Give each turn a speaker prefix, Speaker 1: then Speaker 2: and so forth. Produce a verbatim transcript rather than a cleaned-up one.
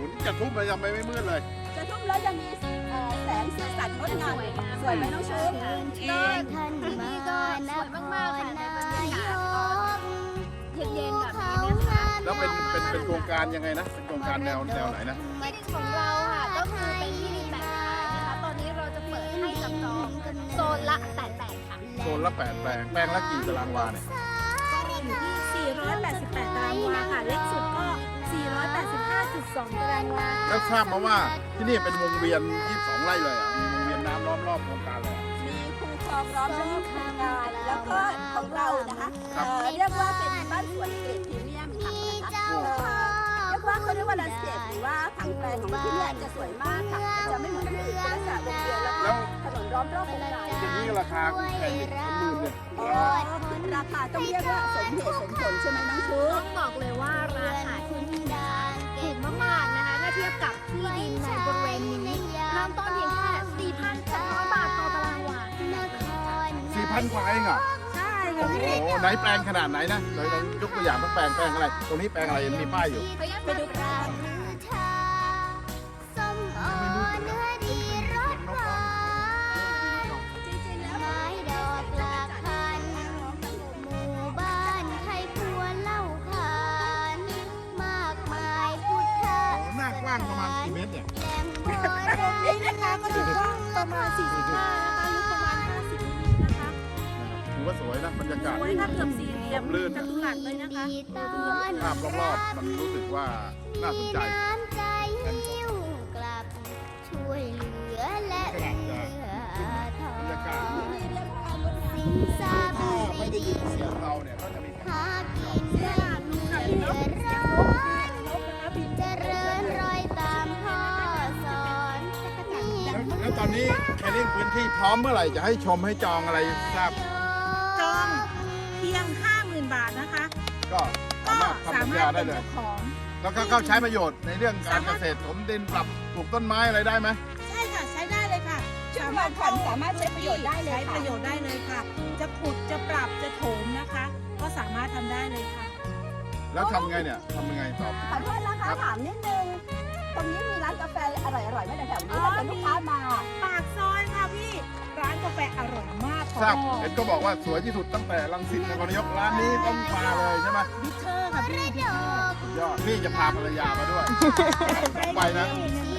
Speaker 1: จะทุ่มไปยังไม่ไม่มืดเลย
Speaker 2: จะทุ่มแล้วจะมีแสงสีสันงดงามสวยไหมน้องชุบ
Speaker 3: ก็นี่ก็สวยมากๆค่ะในบรรยากาศตอนเย็นๆแบบนี้นะคะ
Speaker 1: แล้วเป็นเป็นเป็นโครงการยังไงนะ เป็นโครงการแนวแนวไหนนะ
Speaker 3: ที่ดินของเราค่ะก็คือเป็นที่ดินแบ่งขายนะคะตอนนี้เราจะเปิดให้จับจองโซนละแปดแปดค่ะ
Speaker 1: โซนละแปดแปลงแปลงละกี่ตารางวาเนี่ย
Speaker 4: ก็มีอยู่ที่ สี่ร้อยแปดสิบแปด ตารางวาค่ะ เล็กสุดก็ สี่ร้อยแปดสิบห้าจุดสอง ตารางวา
Speaker 1: แล้วทราบมาว่าที่นี่เป็นวงเวียนยี่สิบสองไร่เลยอ่ะ มีวงเวียนน้ำล้อมรอบโครงการเลย
Speaker 2: มีคูคลองล้อมรอบโครงการแล้วก็ของเรานะคะเรียกว่าเป็นบ้านสวนเกรดพรีเมียมค่ะนะคะเรียกว่าเขาเรียกว่าแลนด์สเคปหรือว่าผังแปลงของที่นี่จะสวยมากค่ะจะไม่เหมือนที่อื่นเป็นลักษณะวงเวียนแล้วก็ถนนล้อมรอบโครงการ
Speaker 1: อย่างนี้ราคาแพงอีกเป็นหมื่นเนี่ย
Speaker 2: อ๋อราคาต้องเรียกว่าสมเหตุสมผลใช่ไหมน้องชุ
Speaker 3: ต้
Speaker 2: บ
Speaker 3: องบอกเลยว่าราคาที่ดินนะคะถูกมากๆนะคะถ้าเทียบกับที่ดินในบริเวณนี้เริ่มต้นเพียงแค่ สี่พันแปดร้อย บาทต่อตารางวา
Speaker 1: สี่พันกว่าเองเหรอ
Speaker 4: ใช่
Speaker 1: โอ้
Speaker 4: ค่ะ
Speaker 1: โห
Speaker 4: พี่
Speaker 1: ไหนแปลงขนาดไหนนะเราลองยกตัวอย่างสักแปลงแปลงอะไร ตรงนี้แปลงอะไรมีป้ายอยู่
Speaker 2: ไปดูกัน
Speaker 3: ส้มโอเนื้อดีรสหวาน
Speaker 2: จริงๆแล้ว
Speaker 3: ไม้ดอกหลากพันหมู่บ้านไทยพวนเล่าขานมากมายพุทธะ
Speaker 1: โอ้หน้ากว้างประมาณกี่เมตรเนี่ย
Speaker 3: แหล่งโบราณ
Speaker 4: นี่นะคะก็ถือว่าประมาณ สี่สิบห้า นะคะลึกประมาณ ห้าสิบ นิดๆนะคะ
Speaker 1: ถือว่าสวยนะบรรยากาศ
Speaker 4: สวยค่ะเกือบสี่เหลี่ยมจัตุรัสเลยนะคะ
Speaker 3: ดีตอน
Speaker 1: ภาพรอบๆมันรู้สึกว่าน่าสนใจ
Speaker 3: น้ำใจหิ้วกลับ ช่วยเหลือและเอื้อทอบ
Speaker 1: รรยากาศ
Speaker 3: สินทรัพย์
Speaker 1: ถ้าไม่ได้ยินเสียงเราเนี่ยก็จะมี
Speaker 3: หากินได้เดือดร้อนเจริญรอยตามพ่อสอนนี่
Speaker 1: แล้วแล้วตอนนี้แคลริ่งพื้นที่พร้อมเมื่อไหร่จะให้ชมให้จองอะไรทราบ
Speaker 4: จองเพียง ห้าหมื่น บาทนะคะ
Speaker 1: ก็สา
Speaker 4: ก็
Speaker 1: มารถทำ
Speaker 4: สา
Speaker 1: สัญ
Speaker 4: มาร
Speaker 1: ญา
Speaker 4: ถ
Speaker 1: ได้
Speaker 4: เป็น
Speaker 1: เลย
Speaker 4: เจ้าของ
Speaker 1: แล้วก็เข้าใช้ประโยชน์ในเรื่องการเกษตรถมดินปรับปลูกต้นไม้อะไรได้ไหม
Speaker 4: ใช่ค่ะใช้ได้เลยค่ะ
Speaker 2: ชุดผ่อนผันสามารถใช้ประโยชน์ได้เลย
Speaker 4: ใช้
Speaker 2: ค่ะ
Speaker 4: ประโยชน์ได้เลยค่ะ จะขุดจะปรับจะโถมนะคะ ก็สามารถทำได้เลยค่ะ
Speaker 1: แล้วทำไงเนี่ยทำยังไงตอบ
Speaker 2: ขอโทษนะคะถามนิดนึง ตรงนี้มีร้านกาแฟอร่อยๆไหมแถวๆนี้ถ้าเป็นลูกค้ามา
Speaker 4: ปากซอยค่ะพี่ ร้านกาแฟอร่อยมาก
Speaker 1: ทราบเห็นก็บอกว่าสวยที่สุดตั้งแต่รังสิตนครนายกร้านนี้ต้องมาเลยใช่ไหม
Speaker 4: บิทเทอร์ค่ะพี่
Speaker 1: สุดยอดนี่จะพาภรรยามาด้วยไปนะ
Speaker 4: นี่